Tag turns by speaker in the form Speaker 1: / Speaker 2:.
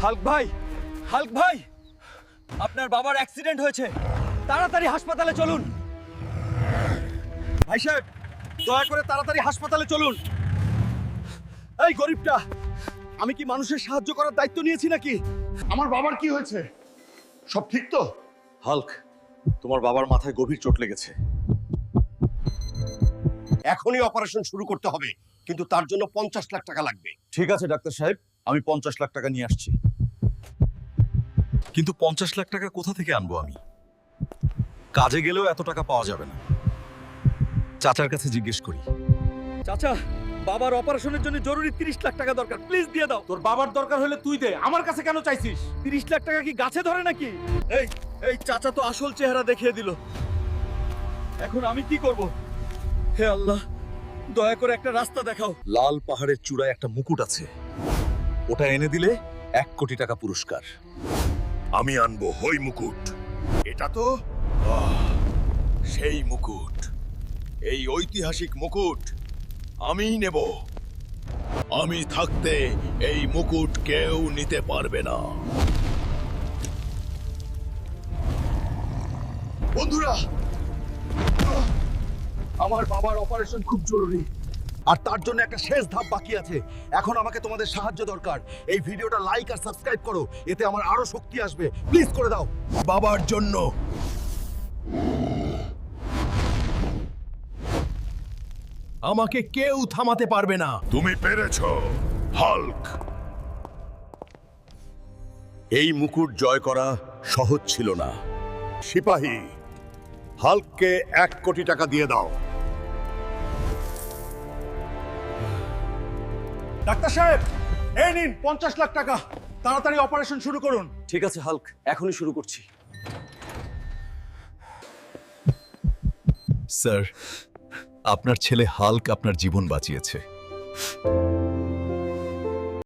Speaker 1: Hulk ভাই, Hulk ভাই, আপনার বাবার অ্যাক্সিডেন্ট হয়েছে, তাড়াতাড়ি হাসপাতালে চলুন। ভাই সাহেব, দয়া করে তাড়াতাড়ি হাসপাতালে চলুন। এই গরিবটা, আমি কি মানুষের সাহায্য করার দায়িত্ব নিয়েছি নাকি?
Speaker 2: আমার বাবার কি হয়েছে? সব ঠিক তো?
Speaker 1: হাল্ক, তোমার বাবার মাথায় গভীর চোট লেগেছে।
Speaker 3: এখনই অপারেশন শুরু করতে হবে, কিন্তু তার জন্য 50 লাখ টাকা লাগবে।
Speaker 1: ঠিক আছে ডাক্তার সাহেব, আমি 50 লাখ টাকা নিয়ে আসছি। কিন্তু 50 লাখ টাকা কোথা থেকে আনবো আমি? কাজে গেলেও এত টাকা পাওয়া যাবে না। চাচার কাছে জিজ্ঞেস করি। চাচা, বাবার অপারেশনের জন্য জরুরি 30 লাখ টাকা দরকার, প্লিজ দিয়ে দাও।
Speaker 4: তোর বাবার দরকার হলে তুই দে, আমার কাছে কেন চাইছিস?
Speaker 1: 30 লাখ টাকা কি গাছে ধরে নাকি? এই এই চাচা তো আসল চেহারা দেখিয়ে দিল। এখন আমি কি করব? হে আল্লাহ, দয়া করে একটা রাস্তা দেখাও। লাল পাহাড়ের চূড়ায় একটা মুকুট আছে, ওটা এনে দিলে 1 কোটি টাকা পুরস্কার।
Speaker 2: আমি আনবো হই মুকুট। এটা তো সেই মুকুট, এই ঐতিহাসিক মুকুট আমিই নেব। আমি থাকতে এই মুকুট কেউ নিতে পারবে না। বন্ধুরা,
Speaker 1: আমার বাবার অপারেশন খুব জরুরি, আর তার জন্য একটা শেষ ধাপ বাকি আছে। এখন আমাকে তোমাদের সাহায্য দরকার। এই ভিডিওটা লাইক আর সাবস্ক্রাইব করো, এতে আমার আরো শক্তি আসবে। প্লিজ করে দাও।
Speaker 2: বাবার জন্য। আমাকে কেউ থামাতে পারবে না। তুমি পেরেছো, হাল্ক। এই মুকুট জয় করা সহজ ছিল না। সিপাহী, হাল্ককে 1 কোটি টাকা দিয়ে দাও।
Speaker 4: ডাক্তার সাহেব, এই নিন 50 লাখ টাকা, তাড়াতাড়ি অপারেশন শুরু করুন।
Speaker 1: ঠিক আছে হাল্ক, এখনই শুরু করছি।
Speaker 5: স্যার, আপনার ছেলে হাল্ক আপনার জীবন বাঁচিয়েছে।